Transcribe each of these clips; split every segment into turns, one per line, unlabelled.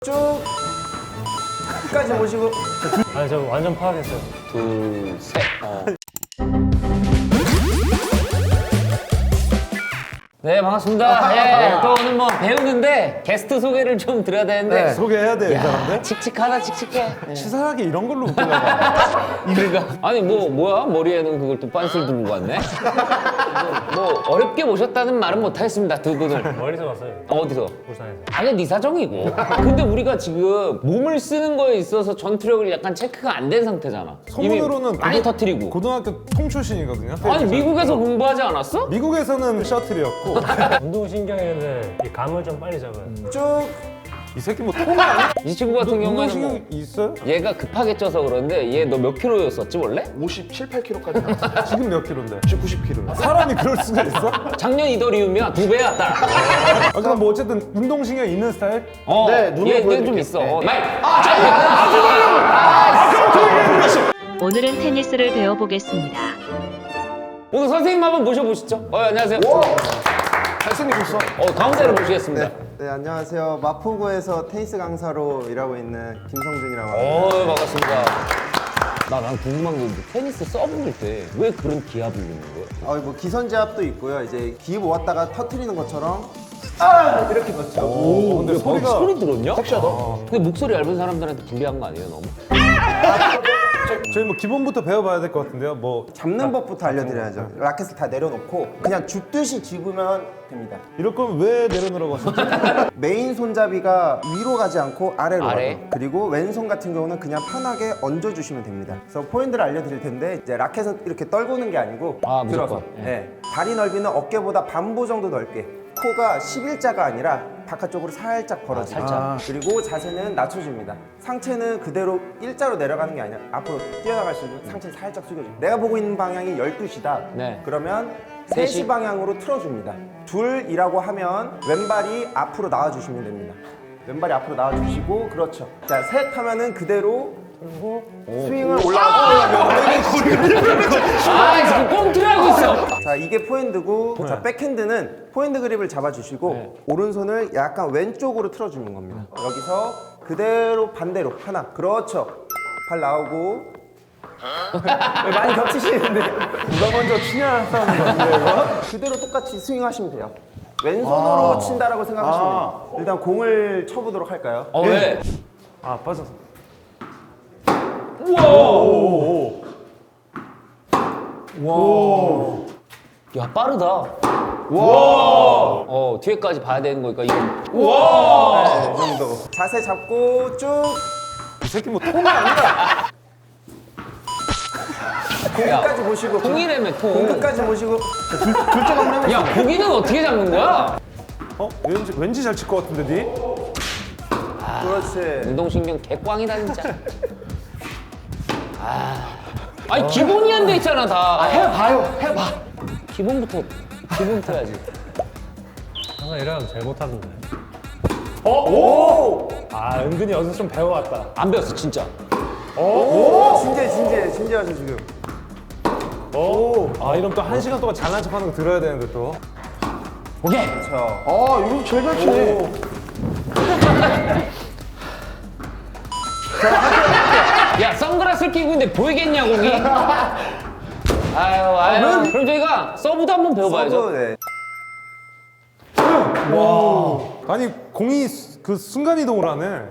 쭉 끝까지 모시고.
아니 저 완전 파악했어요.
둘, 셋. 네, 반갑습니다. 예, 또 오늘 뭐 배우는데 게스트 소개를 좀 드려야 되는데.
소개해야 돼, 이 사람들?
칙칙하다, 칙칙해. 예.
치사하게 이런 걸로 웃기려고.
그러니까 아니 뭐야 머리에는 그걸 또 빤스를 들고 왔네. 뭐 어렵게 모셨다는 말은 못 하겠습니다, 두 분을.
멀리서 왔어요.
어디서?
부산에서.
아니 네 사정이고. 근데 우리가 지금 몸을 쓰는 거에 있어서 전투력을 약간 체크가 안 된 상태잖아.
소문으로는
이미 많이 터트리고.
고등학교 통출신이거든요.
아니 미국에서 공부하지 않았어?
미국에서는 셔틀이었고.
운동신경에는 이 감을 좀 빨리 잡아요.
쭉.
이 새끼 뭐 통화 아니야?
이 친구 같은 경우에는 뭐
운동신경 있어요?
얘가 급하게 쪄서 그런데 얘 너 몇 킬로였었지 원래?
57, 8kg까지 나왔어요.
지금 몇 킬로인데?
90kg.
사람이 그럴 수가 있어?
작년 이더리움이야 2배야 딸.
아, 그럼 뭐 어쨌든 운동신경 있는 스타일?
네, 눈으로
얘는 좀
보여드릴게요.
있어.
네.
오늘은 테니스를 배워보겠습니다.
오늘 선생님 한번 모셔보시죠. 안녕하세요.
잘생기셨어.
가운데로 모시겠습니다.
네, 안녕하세요. 마포구에서 테니스 강사로 일하고 있는 김성준이라고 합니다.
반갑습니다. 난 궁금한 게 있는데 테니스 서브일 때 왜 그런 기압을 넣는 거야?
뭐 기선제압도 있고요. 이제 기입 모았다가 터트리는 것처럼 이렇게 넣죠.
근데 소리가
소리 들었냐? 섹시하다. 근데 목소리 얇은 사람들한테 불리한 거 아니에요, 너무?
저희 뭐 기본부터 배워봐야 될 것 같은데요. 뭐
잡는 법부터 알려드려야죠. 라켓을 다 내려놓고 그냥 줍듯이 집으면 됩니다.
이럴 거면 왜 내려놓으라고 하셨죠?
메인 손잡이가 위로 가지 않고 아래로
아래?
가요. 그리고 왼손 같은 경우는 그냥 편하게 얹어주시면 됩니다. 그래서 포인트를 알려드릴 텐데 이제 라켓은 이렇게 떨구는 게 아니고
아,
들어서
무조건. 예.
네. 다리 넓이는 어깨보다 반보 정도 넓게 코가 11자가 아니라 바깥쪽으로 살짝 벌어져요.
살짝.
그리고 자세는 낮춰줍니다. 상체는 그대로 일자로 내려가는 게 아니라 앞으로 뛰어나갈 수 있는 상체를 살짝 숙여줍니다. 내가 보고 있는 방향이 12시다.
네.
그러면
셋이?
3시 방향으로 틀어줍니다. 둘이라고 하면 왼발이 앞으로 나와주시면 됩니다. 왼발이 앞으로 나와주시고 그렇죠. 자, 셋 하면은 그대로 스윙을 올라가고
지금 꽁트를 하고 있어.
자, 이게 포핸드고 자, 백핸드는 포핸드 그립을 잡아주시고 오른손을 약간 왼쪽으로 틀어주는 겁니다. 여기서 그대로 반대로 하나 그렇죠. 발 나오고 왜 많이 겹치시는데
누가 먼저 치냐 싸우는 거 같은데 이거?
그대로 똑같이 스윙하시면 돼요. 왼손으로 친다라고 생각하시면 돼요. 일단 공을 쳐보도록 할까요?
왜?
아 빠졌어.
야, 빠르다. 와. 뒤에까지 봐야 되는 거니까 이거.
네, 이 정도. 자세 잡고 쭉
이 새끼 뭐 통화 아니야?
끝까지 보시고
통이라며 통.
끝까지 보시고
야, 고기는 어떻게 잡는 거야?
왠지 잘 칠 것 같은데 니?
그렇지.
운동신경 개꽝이다 진짜. 아니 기본이 안 돼 있잖아 다. 해봐. 기본부터 해야지.
항상 이러면 제일 못하던데.
아 은근히 어디서 좀 배워왔다.
안 배웠어 진짜.
진지하죠 지금.
아 이러면 또 1시간 동안 잘난 척하는 거 들어야 되는데 또.
오케이.
그렇죠.
이거 제일 잘 치네.
야 선글라스를 끼고 있는데 보이겠냐 공이? 아유. 그럼 저희가 서브도 한번 배워봐야죠.
서브, 네.
아니 공이 그 순간 이동을 하네.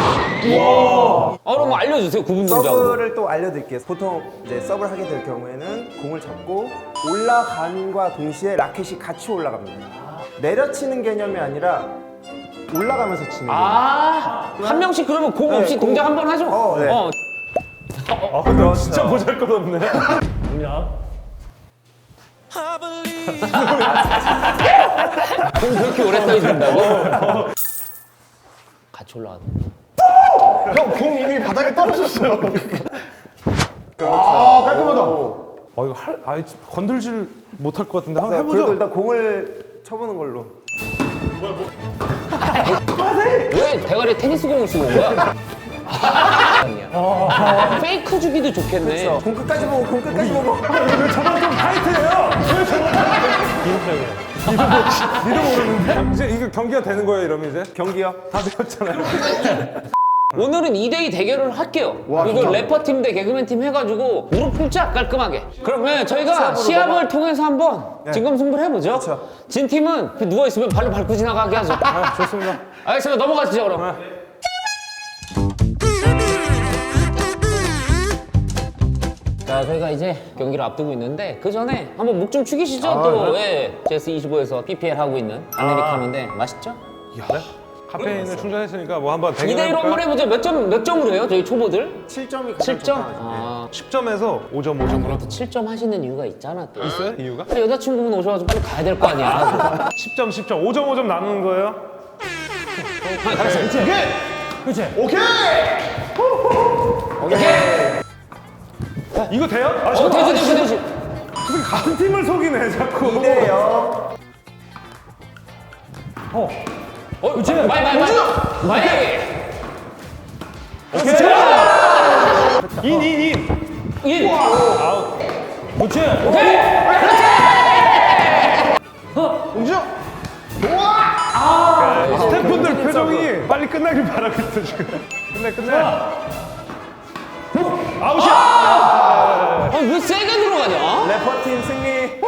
그럼 알려주세요 구분 동작으로.
서브를 또 알려드릴게요. 보통 이제 서브를 하게 될 경우에는 공을 잡고 올라감과 동시에 라켓이 같이 올라갑니다. 내려치는 개념이 아니라 올라가면서 치는 거예요.
한 명씩 그러면 공 없이 동작 한 번 하죠.
네.
아 근데 진짜 보잘것없네.
뭐냐?
공 그렇게 오래 떠 있는다고? 같이 올라가.
형, 공 이미 바닥에 떨어졌어요. 깔끔하다.
이거 건들질 못할 것 같은데 한번
자, 그래도
해보죠.
일단 공을 쳐보는 걸로.
왜 대가리에 테니스 공을 쓰고 온 거야? 상황이야. 페이크 주기도 좋겠네.
공 끝까지 보고 공 끝까지 보고.
왜 저번 좀 타이트해요? 왜 저번
기술적이에요.
니도 모르는데? 이제 이거 경기가 되는 거예요, 이러면 이제?
경기요.
다 되었잖아요.
오늘은 2대2 대결을 할게요. 이거 래퍼 팀 대 개그맨 팀 해가지고 무릎 꿇자 깔끔하게. 그러면 저희가 시합을 통해서 한번 진검승부를 해보죠.
그렇죠.
진 팀은 누워 있으면 발로 밟고 지나가게 하죠.
좋습니다.
알겠습니다. 넘어가시죠 그럼. 자, 저희가 이제 경기를 앞두고 있는데 그 전에 한번 목 좀 축이시죠. 또 예, GS25에서 PPL 하고 있는 아메리카노인데 맛있죠?
카페인을 충전했으니까 뭐 한번
2대1로 한번 해보죠. 몇 점으로 해요? 저희 초보들?
7점이
7점? 아,
10점에서 5점, 5점으로.
또 7점 하시는 이유가 있잖아 또.
있어요? 이유가?
여자친구분 오셔가지고 빨리 가야 될 거 아니야.
10점, 10점, 5점, 5점 나누는 거예요? 이거 돼요? 아,
되지.
같은 팀을 속이네, 자꾸.
2대0.
마이.
인.
그렇지.
스태프분들 표정이 빨리 끝나길 바라고 있어, 지금. 끝내. 아웃이야!
왜 세게 들어가냐?
래퍼팀 승리.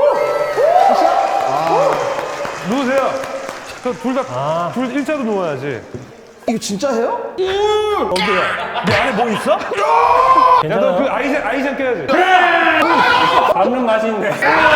누우세요. 둘 일자로 누워야지.
이거 진짜 해요?
네 안에 뭐 있어? 야, 너 그 아이젠 껴야지.
밟는 맛이 있네.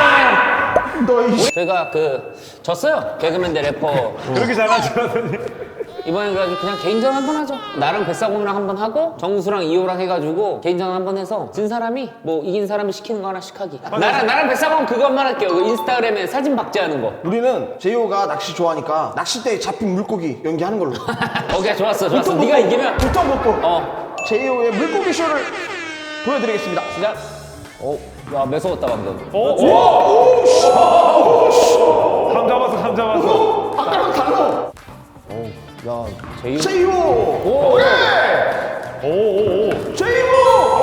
저희가 졌어요. 개그맨 대 래퍼.
그렇게 잘하더니.
이번엔 그래가지고 그냥 개인전 한번 하죠. 나랑 백사공이랑 한번 하고 정수랑 이호랑 해가지고 개인전 한번 해서 진 사람이 뭐 이긴 사람이 시키는 거 하나씩 하기. 나랑 백사공 그것만 할게요. 그 인스타그램에 사진 박제하는 거.
우리는 제이호가 낚시 좋아하니까 낚싯대에 잡힌 물고기 연기하는 걸로.
오케이 좋았어. 네가 이기면
불똥 먹고 제이호의 물고기 쇼를 보여드리겠습니다.
시작. 야 매서웠다 방금.
감 잡았어.
아까랑 달라.
야 제이호.
제이호. 제이호.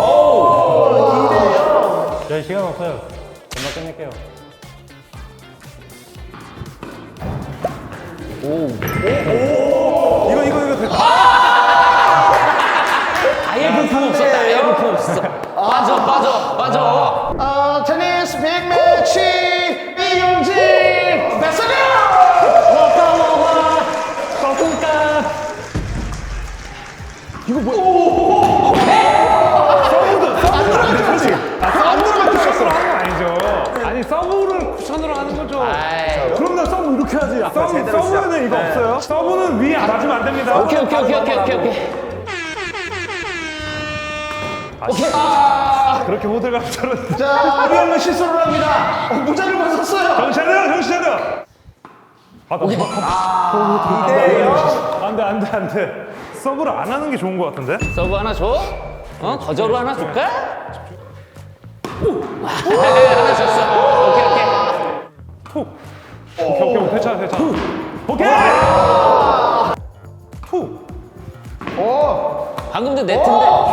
저희 시간 없어요. 금방 끝낼게요.
이거 됐다.
아예 볼품 없었다. 아예 볼품 없었어. 빠져.
테니스 빅매치 이용진 배서경. 이거 뭐야? 안 들어갔어.
아니죠. 아니 서브를 쿠션으로 하는 거죠.
아이.
그럼 나 서브 이렇게 하지. 서브는 이거 없어요? 서브는 위에 맞으면 안 됩니다.
오케이.
그렇게 호들갑 떨었어.
자, 우리는 실수를 합니다. 모자를 벗었어요.
정신 차려. 안 돼. 서브를 안 하는 게 좋은 것 같은데?
서브 하나 줘? 거저로 하나 줄까? 하나 줬어. 오케이.
오케이. 괜찮아. 오케이! 툭!
방금도 네트인데.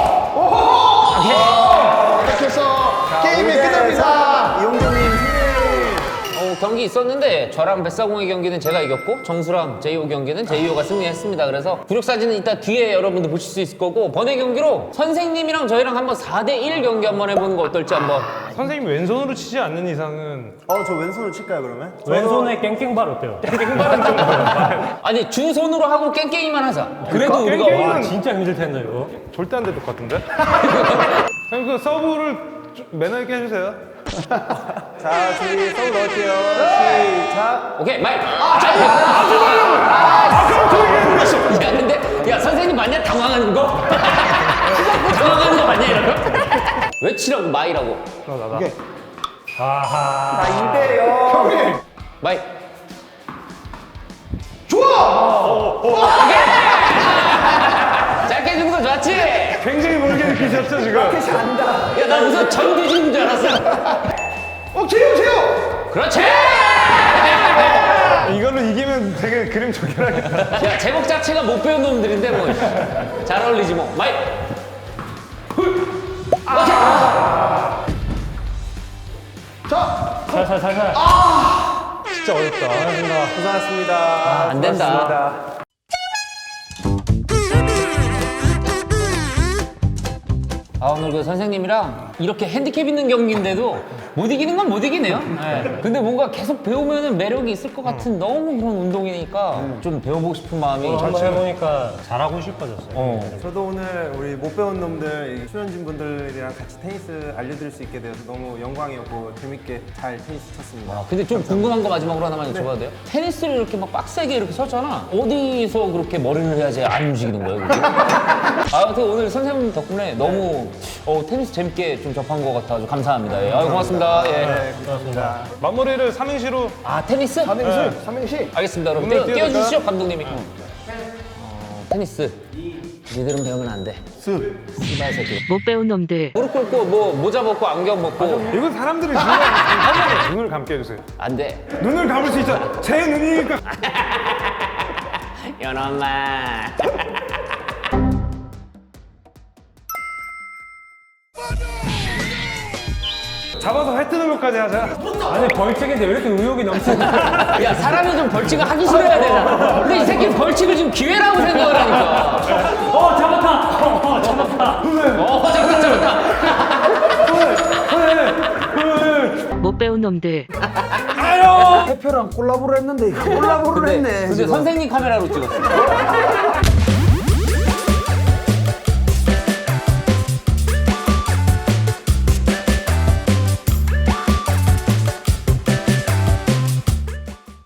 이렇게 해서 게임이 끝납니다.
이용준님 승리.
경기 있었는데 저랑 뱃사공의 경기는 제가 이겼고 정수랑 제이호 경기는 제이호가 승리했습니다. 그래서 구력 사진은 이따 뒤에 여러분들 보실 수 있을 거고 번외 경기로 선생님이랑 저희랑 한번 4대1 경기 한번 해보는 거 어떨지 한번.
선생님이 왼손으로 치지 않는 이상은
저 왼손으로 칠까요 그러면?
왼손에 깽깽발 어때요?
아니 두 손으로 하고 깽깽이만 하자. 그래도 우리가
깽깽이는-
와 진짜 힘들 텐데 이거.
절대 안 될 것 같은데? 선생님 그 서브를 좀 매너 있게 해주세요.
자, 준비 서브 넣을게요. 시작.
오케이 마이. 야 근데 야 선생님 맞냐 당황하는 거? 당황하는 거 맞냐 이런 거? 왜 치라고 마이라고?
오케이.
아하.
자, 2대0.
마이. 좋아. 짧게 해주는 거 좋았지?
굉장히 멀게 느끼셨죠 지금?
야 나 무슨 전 뒤지는 줄 알았어.
제이호.
그렇지.
이걸로 이기면 되게 그림 좋긴 하겠다.
야 제목 자체가 못 배운 놈들인데 뭐 잘 어울리지 뭐. 마이.
살살.
진짜 어렵다.
고생하셨습니다.
안 된다.
고맙습니다.
아, 오늘 그 선생님이랑 이렇게 핸디캡 있는 경기인데도 못 이기는 건 못 이기네요. 네. 근데 뭔가 계속 배우면은 매력이 있을 것 같은 너무 그런 운동이니까 좀 배워보고 싶은 마음이
한번 해보니까 잘하고 싶어졌어요.
저도 오늘 우리 못 배운 놈들, 출연진 분들이랑 같이 테니스 알려드릴 수 있게 되어서 너무 영광이었고 재밌게 잘 테니스 쳤습니다.
근데 좀 궁금한 거 마지막으로 하나만 여쭤봐도 돼요? 테니스를 이렇게 막 빡세게 이렇게 쳤잖아. 어디서 그렇게 머리를 해야지 안 움직이는 거예요? 그게? 아무튼 오늘 선생님 덕분에 너무 테니스 재밌게 좀 접한 것 같아서 감사합니다. 예. 아유, 고맙습니다. 예.
고맙습니다.
마무리를 삼행시로.
아, 테니스?
삼행시.
알겠습니다. 그럼
오늘
띄워주시죠, 감독님이. 테니스. 니들은 배우면 안 돼. 씨발 새끼.
못 배운 놈들.
무릎 꿇고 뭐 모자 벗고 안경 벗고
이건 사람들이 중요한 눈을 감게 해주세요.
안 돼.
눈을 감을 수 있잖아. 제 눈이니까.
연엄마.
잡아서 회 뜨는 것까지 하자.
아니 벌칙인데 왜 이렇게 의욕이 넘치냐?
야, 사람이 좀 벌칙을 하기 싫어야 되잖아. 근데 이 새끼 벌칙을 지금 기회라고 생각을 하니까.
잡았다. 잡았다.
잡았다.
못 배운 놈들.
대표랑 콜라보를 했는데 이거 콜라보를 했네.
근데 선생님 카메라로 찍었어.